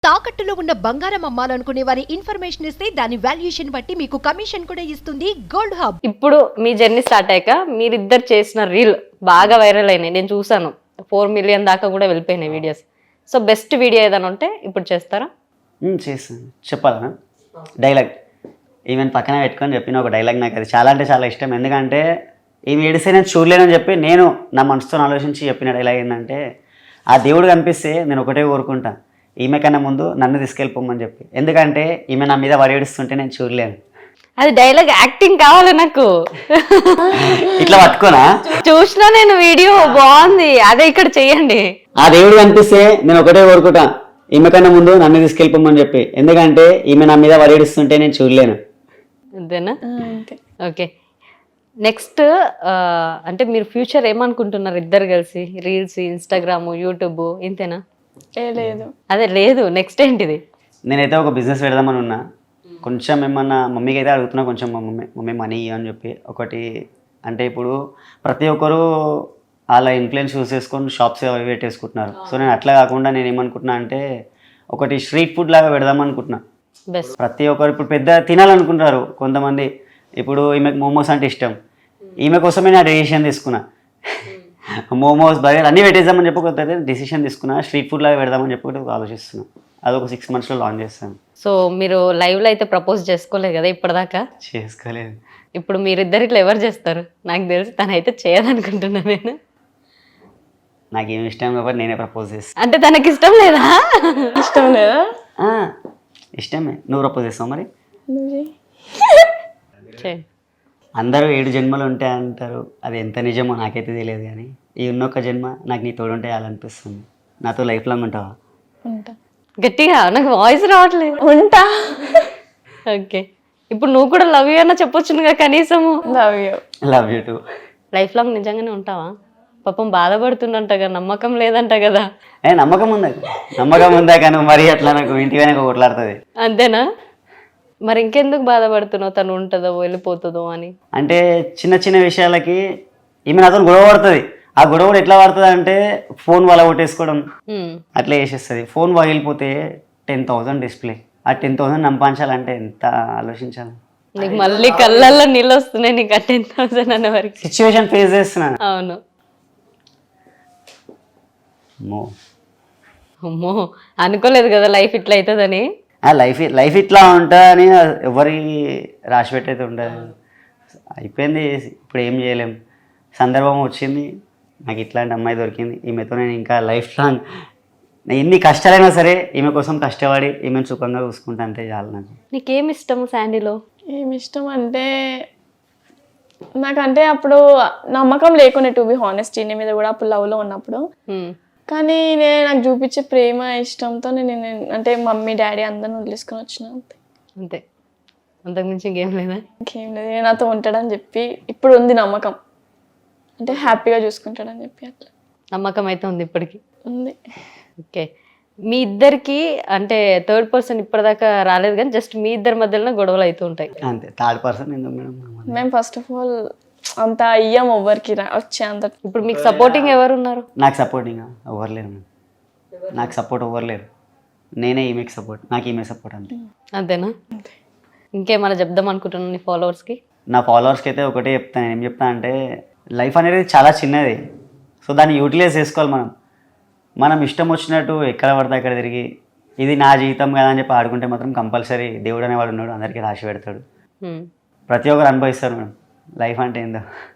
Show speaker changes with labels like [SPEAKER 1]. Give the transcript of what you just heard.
[SPEAKER 1] తాకట్టులో ఉన్న బంగారం అమ్మాలనుకునే వారి ఇన్ఫర్మేషన్ ఇస్తే దాని వాల్యుయేషన్ బట్టి మీకు కమిషన్ కూడా ఇస్తుంది గోల్డ్ హబ్.
[SPEAKER 2] ఇప్పుడు మీ జర్నీ స్టార్ట్ అయ్యాక మీరిద్దరు చేసిన రీల్ బాగా వైరల్ అయినాయి. నేను చూసాను 4 మిలియన్ దాకా కూడా వెళ్ళిపోయినాయి వీడియోస్. సో బెస్ట్ వీడియో ఏదైనా ఉంటే ఇప్పుడు చేస్తారా?
[SPEAKER 3] చేస్తాను. చెప్పాలా డైలాగ్ ఈవెన్ పక్కన పెట్టుకొని చెప్పిన ఒక డైలాగ్ నాకు అది చాలా అంటే చాలా ఇష్టం. ఎందుకంటే ఈమె ఏడిస్తే నేను చూడలేనని చెప్పి నేను నా మనసుతో ఆలోచించి చెప్పిన డైలాగ్ ఏంటంటే, ఆ దేవుడు కనిపిస్తే నేను ఒకటే కోరుకుంటా, ఈమె కన్నా ముందు నన్ను తీసుకెళ్ళిపోమని చెప్పి. ఎందుకంటే ఈమె నా మీద వరేడుస్తుంటే నేను చూడలేను.
[SPEAKER 2] అది డైలాగ్ యాక్టింగ్ కావాలి నాకు.
[SPEAKER 3] ఇట్లా పట్టుకోనా?
[SPEAKER 2] చూసినా నేను వీడియో బాగుంది, అదే ఇక్కడ చెయ్యండి.
[SPEAKER 3] ఆ దేవుడు కనిపిస్తే నేను ఒకటే కోరుకుంటా, ఈమె కన్నా ముందు నన్ను తీసుకెళ్ళిపోమని చెప్పి. ఎందుకంటే ఈమె నా మీద వరేడుస్తుంటే నేను చూడలేను.
[SPEAKER 2] అంతేనా? ఓకే. నెక్స్ట్ అంటే మీరు ఫ్యూచర్ ఏమనుకుంటున్నారు ఇద్దరు కలిసి? రీల్స్, ఇన్స్టాగ్రామ్, యూట్యూబ్ ఇంతేనా?
[SPEAKER 4] లేదు
[SPEAKER 2] అదే లేదు, నెక్స్ట్ ఏంటిది?
[SPEAKER 3] నేనైతే ఒక బిజినెస్ పెడదామని ఉన్నా. కొంచెం ఏమన్నా మమ్మీకి అయితే అడుగుతున్నా, కొంచెం మమ్మీ మనీ అని చెప్పి. ఒకటి అంటే ఇప్పుడు ప్రతి ఒక్కరు వాళ్ళ ఇన్ఫ్లుయెన్స్ యూస్ చేసుకొని షాప్స్ అవి పెట్టేసుకుంటున్నారు. సో నేను అట్లా కాకుండా నేను ఏమనుకుంటున్నా అంటే ఒకటి స్ట్రీట్ ఫుడ్ లాగా పెడదామనుకుంటున్నా.
[SPEAKER 2] బెస్ట్.
[SPEAKER 3] ప్రతి ఒక్కరు ఇప్పుడు పెద్ద తినాలనుకుంటారు కొంతమంది. ఇప్పుడు ఈమెకు మోమోస్ అంటే ఇష్టం, ఈమె కోసమే నా డెసిషన్ తీసుకున్నా. మోమోస్, బర్గర్ అన్నీ పెట్టేద్దామని చెప్పి ఒక డెసిషన్ తీసుకున్నా. స్ట్రీట్ ఫుడ్ లాగా పెడదామని చెప్పి ఒక ఆలోచిస్తున్నా. అది ఒక 6 monthsలో లాంచ్ చేస్తాను.
[SPEAKER 2] సో మీరు లైవ్లో అయితే ప్రపోజ్ చేసుకోలేదు కదా ఇప్పటిదాకా?
[SPEAKER 3] చేసుకోలేదు.
[SPEAKER 2] ఇప్పుడు మీరిద్దరు ఇట్లా ఎవరు చేస్తారు? నాకు తెలిసి తనైతే చేయదనుకుంటున్నా నేను.
[SPEAKER 3] నాకేమి ఇష్టం కాబట్టి నేనే ప్రపోజ్ చేస్తాను.
[SPEAKER 2] అంటే తనకి ఇష్టం లేదా?
[SPEAKER 4] ఇష్టం లేదా?
[SPEAKER 3] ఇష్టమే. నువ్వు ప్రపోజ్ చేస్తావు మరి?
[SPEAKER 2] చేయండి.
[SPEAKER 3] అందరూ 7 జన్మలు ఉంటాయి అంటారు, అది ఎంత నిజమో నాకైతే తెలియదు. కానీ ఈ ఉన్నొక్క జన్మ నాకు నీ తోడు ఉంటే అనిపిస్తుంది. నాతో లైఫ్ లాంగ్ ఉంటావా?
[SPEAKER 4] ఉంటా.
[SPEAKER 2] గట్టిగా, నాకు వాయిస్ రావట్లేదు.
[SPEAKER 4] ఉంటా.
[SPEAKER 2] ఓకే. ఇప్పుడు నువ్వు కూడా లవ్ యూ అన్న చెప్పొచ్చునుగా కనీసము.
[SPEAKER 4] Love you.
[SPEAKER 3] Love you too.
[SPEAKER 2] Life long నిజంగానే ఉంటావా? పాపం బాధపడుతుండంటగా, నమ్మకం లేదంట కదా?
[SPEAKER 3] నమ్మకం ఉందా కానీ మరి అట్లా నాకు ఇంటి వెనక కొట్లాడుతుంది.
[SPEAKER 2] అంతేనా? మరి ఇంకెందుకు బాధపడుతున్నావు? తను ఉంటుందో వెళ్ళిపోతుందో అని.
[SPEAKER 3] అంటే చిన్న చిన్న విషయాలకి ఈమె నాతో గొడవ పడుతుంది. ఆ గొడవ కూడా ఎట్లా పడుతుంది అంటే ఫోన్ వాళ్ళ కొట్టేసుకోవడం అట్లా చేసేస్తుంది. ఫోన్ పగిలిపోతే 10,000 డిస్ప్లే. ఆ 10,000 నంపాంచాలంటే ఎంత ఆలోచించాలి?
[SPEAKER 2] నీకు మళ్ళీ కళ్ళల్లో నీళ్ళు వస్తున్నాయి నీకు ఆ 10,000 అనే వరకు.
[SPEAKER 3] సిచ్యువేషన్ ఫేస్ చేస్తున్నాను.
[SPEAKER 2] అవును. అమ్మో, అనుకోలేదు కదా లైఫ్ ఇట్లా అవుతుందని.
[SPEAKER 3] లైఫ్ ఇట్లా ఉంటుందని ఎవరి రాసి పెట్టయితే ఉండదు. అయిపోయింది, ఇప్పుడు ఏం చేయలేం. సందర్భం వచ్చింది, నాకు ఇట్లాంటి అమ్మాయి దొరికింది. ఈమెతో నేను ఇంకా లైఫ్ లాంగ్ ఎన్ని కష్టాలైనా సరే ఈమె కోసం కష్టపడి ఈమెను సుఖంగా చూసుకుంటా, అంతే చాలు నాకు.
[SPEAKER 2] నీకేమి ఇష్టము శాండీలో?
[SPEAKER 4] ఏమి ఇష్టం అంటే నాకంటే అప్పుడు నమ్మకం లేకుండా, టు బి హానెస్ట్, ఈయన మీద కూడా అప్పుడు లవ్లో ఉన్నప్పుడు. కానీ నేను నాకు చూపించే ప్రేమ ఇష్టంతో నేను అంటే మమ్మీ డాడీ అందరిని వదిలేసుకొని వచ్చిన.
[SPEAKER 2] అంతే, అంతకుమించి ఇంకేం లేదా?
[SPEAKER 4] ఇంకేం లేదు. నేను నాతో ఉంటాడని చెప్పి ఇప్పుడు ఉంది నమ్మకం. అంటే హ్యాపీగా చూసుకుంటాడని చెప్పి అట్లా
[SPEAKER 2] నమ్మకం అయితే ఉంది ఇప్పటికి.
[SPEAKER 4] ఉంది.
[SPEAKER 2] ఓకే. మీ ఇద్దరికి అంటే థర్డ్ పర్సన్ ఇప్పటిదాకా రాలేదు కానీ జస్ట్ మీ ఇద్దరి మధ్యలో గొడవలు అవుతూ ఉంటాయి.
[SPEAKER 3] అంతే. థర్డ్ పర్సన్ ఎందుకు మేడం?
[SPEAKER 4] మేము ఫస్ట్ ఆఫ్ ఆల్ అంత అయ్యాం ఎవ్వరికి వచ్చే అంత.
[SPEAKER 2] ఇప్పుడు మీకు సపోర్టింగ్ ఎవరు ఉన్నారు?
[SPEAKER 3] నాకు సపోర్టింగ్ ఎవరు లేరు మేడం. నాకు సపోర్ట్ ఎవరు లేరు. నేనే ఈమెకి సపోర్ట్, నాకు ఈమె సపోర్ట్. అంతే.
[SPEAKER 2] అంతేనా? ఇంకేమైనా చెప్దాం అనుకుంటున్నాను నీ ఫాలోవర్స్కి?
[SPEAKER 3] నా ఫాలోవర్స్కి అయితే ఒకటే చెప్తాను. ఏం చెప్తాను అంటే లైఫ్ అనేది చాలా చిన్నది. సో దాన్ని యూటిలైజ్ చేసుకోవాలి. మనం ఇష్టం వచ్చినట్టు ఎక్కడ పడితే అక్కడ తిరిగి ఇది నా జీవితం కదా అని చెప్పి ఆడుకుంటే మాత్రం కంపల్సరీ దేవుడు అనేవాడు ఉన్నాడు, అందరికీ రాసి పెడతాడు. ప్రతి ఒక్కరు అనుభవిస్తారు మేడం లైఫ్ అంటే ఏందో.